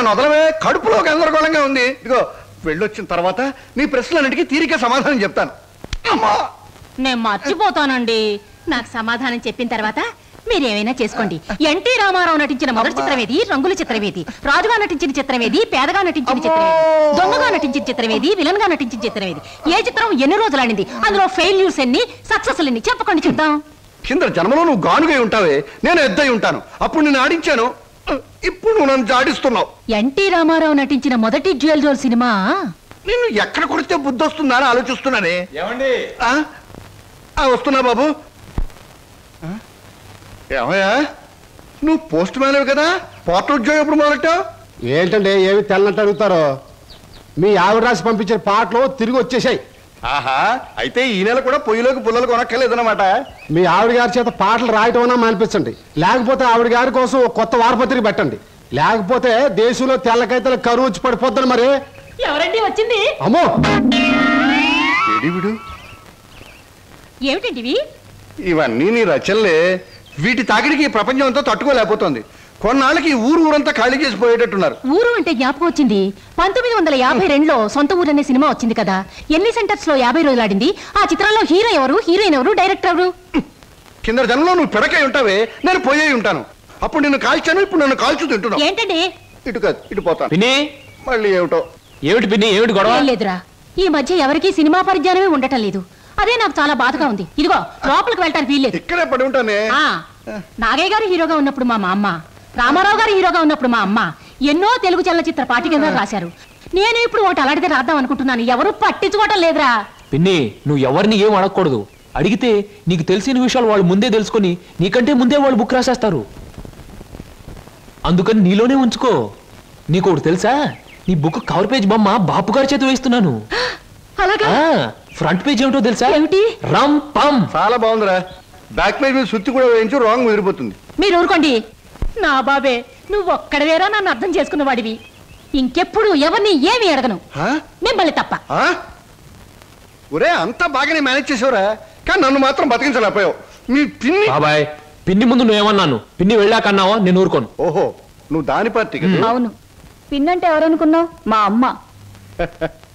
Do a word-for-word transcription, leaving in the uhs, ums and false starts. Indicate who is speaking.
Speaker 1: నన్ను వదలవే, కడుపులో గందరగోళంగా ఉంది. ఇదిగో వెళ్ళొచ్చిన తర్వాత నీ ప్రశ్నలన్నిటికీ తీరిక సమాధానం చెప్తాను. అమ్మా
Speaker 2: నేను మర్చిపోతానండి. నాకు సమాధానం చెప్పిన తర్వాత మీరేమైనా చేసుకోండి. ఎన్టీ రామారావు నటించిన మొదటి చిత్రమేది, రంగుల చిత్రమేది, రాజుగా నటించిన చిత్రమేది, పేదగా నటించిన చిత్రమేది, దొంగగా నటించిన చిత్రమేది, విలన్ గా నటించిన చిత్రమేది, ఏ చిత్రం ఎన్ని రోజులు ఆడింది, అందులో ఫెయిల్యూర్స్ ఎన్ని, సక్సెస్ ఎన్ని చెప్పకండి చూద్దాం.
Speaker 1: కింద జన్మలో నువ్వు గానుగై ఉంటావే, నేను ఎద్దై ఉంటాను. అప్పుడు నేను ఆడించాను, ఇప్పుడు నువ్వు నన్ను జాడిస్తున్నావు.
Speaker 2: ఎన్టీ రామారావు నటించిన మొదటి జ్యువెల్ జోల్ సినిమా
Speaker 1: నిన్ను ఎక్కడ కొడితే బుద్ధి వస్తుందా అని ఆలోచిస్తున్నానే.
Speaker 3: ఏమండి
Speaker 1: వస్తున్నా బాబు. ఏమయ్యా నువ్వు పోస్ట్ మ్యాన్ కదా, పోర్టల్ ఉద్యోగం ఎప్పుడు మొదలెట్టావు?
Speaker 4: ఏంటంటే ఏమి తెల్లనట్టు అడుగుతారో. మీ ఆవిడ రాసి పంపించిన పాటలు తిరిగి వచ్చేసాయి.
Speaker 1: ఆహా, అయితే ఈ నెల కూడా పొయ్యిలోకి పుల్లలు కొనక్కర్లేదన్నమాట.
Speaker 4: మీ ఆవిడ గారి చేత పాటలు రాయటం అన్నా మానిపించండి, లేకపోతే ఆవిడ గారి కోసం ఒక కొత్త వారపత్రిక పెట్టండి. లేకపోతే దేశంలో తెల్లకైతే కరువు వచ్చి పడిపోద్దని. మరి
Speaker 2: ఎవరండి వచ్చింది?
Speaker 4: అమ్మో
Speaker 1: విడు
Speaker 2: ఏమిటండి
Speaker 1: ఇవన్నీ నీ రచనలే. వీటి తాకిడికి ఈ ప్రపంచం అంతా తట్టుకోలేకపోతుంది. కొన్నాళ్ళకి ఊరు ఊరంతా ఖాళీ చేసి పోయేటట్టున్నారు.
Speaker 2: ఊరు అంటే జ్ఞాపకం వచ్చింది. పంతొమ్మిది వందల యాభై రెండులో సొంత ఊరు అనే సినిమా వచ్చింది కదా, ఎన్ని సెంటర్స్ లో యాభై రోజులు ఆడింది. ఆ చిత్రంలో హీరో ఎవరు, హీరోయిన్ ఎవరు, డైరెక్టర్ ఎవరు?
Speaker 1: కింద జనంలో నువ్వు పిడకై ఉంటావే, నేను పోయే ఉంటాను. అప్పుడు నిన్ను కాల్చాను, ఇప్పుడు నన్ను కాల్చు తింటున్నావు.
Speaker 2: ఏంటండి?
Speaker 1: ఇటు కాదు ఇటు పోతాను.
Speaker 3: పిన్ని
Speaker 1: మళ్ళీ ఏమిటో.
Speaker 3: ఏమిటి పిన్ని, ఏమిటి గొడవ?
Speaker 2: లేదురా, ఈ మధ్య ఎవరికి సినిమా పరిజ్ఞానమే ఉండటం లేదు. అదే నాకు చాలా బాధగా ఉంది. ఇదిగో లోపలికి వెళ్ళటానికి వీల్లేదు.
Speaker 1: ఇక్కడే పడి ఉంటానే.
Speaker 2: నాగయ్య గారు హీరోగా ఉన్నప్పుడు మా అమ్మ, రామారావు గారు హీరోగా ఉన్నప్పుడు మా అమ్మ ఎన్నో తెలుగు చలనచిత్ర పాఠికగా రాశారు. నేను ఇప్పుడు ఒకటి అలాంటిదే రాద్దాం అనుకుంటున్నాను. ఎవరు పట్టించుకోవటం లేదురా.
Speaker 3: పిన్ని నువ్వు ఎవరిని ఏం అడగకూడదు. అడిగితే నీకు తెలిసిన విషయాలు వాళ్ళు ముందే తెలుసుకొని నీకంటే ముందే వాళ్ళు బుక్ రాసేస్తారు. అందుకని నీలోనే ఉంచుకో. నీకు ఒకటి తెలుసా, నీ బుక్ కవర్ పేజ్ బొమ్మ బాపు గారి చేత వేస్తున్నాను.
Speaker 2: అలాగా?
Speaker 3: ఫ్రంట్ పేజ్ ఏమిటో తెలుసా?
Speaker 2: ఏమిటి?
Speaker 3: రమ్ పమ్.
Speaker 1: చాలా బాగుందిరా. బ్యాక్ పేజ్ మీద సుత్తి కూడా వేయించు, రాంగ్ ముదిరిపోతుంది.
Speaker 2: మీరు ఊరుకోండి. నా బాబే, నువ్వు ఒక్కడవేరా నన్ను అర్థం చేసుకున్న వాడివి. ఇంకెప్పుడు ఎవరిని ఏమి అడగను, మిమ్మల్ని తప్ప.
Speaker 1: ఒరే అంతా బాగానే మేనేజ్ చేసేవరా, కానీ నన్ను మాత్రం బతికించలేకపోయావు. మీ పిన్ని
Speaker 3: బాబాయ్, పిన్ని ముందు నువ్వేమన్నాను, పిన్ని వెళ్ళాక అన్నావా? నేను ఊరుకోను.
Speaker 1: ఓహో, నువ్వు దాని పార్టీ కదా.
Speaker 2: అవును, పిన్నంటే ఎవరనుకున్నావు? మా అమ్మ.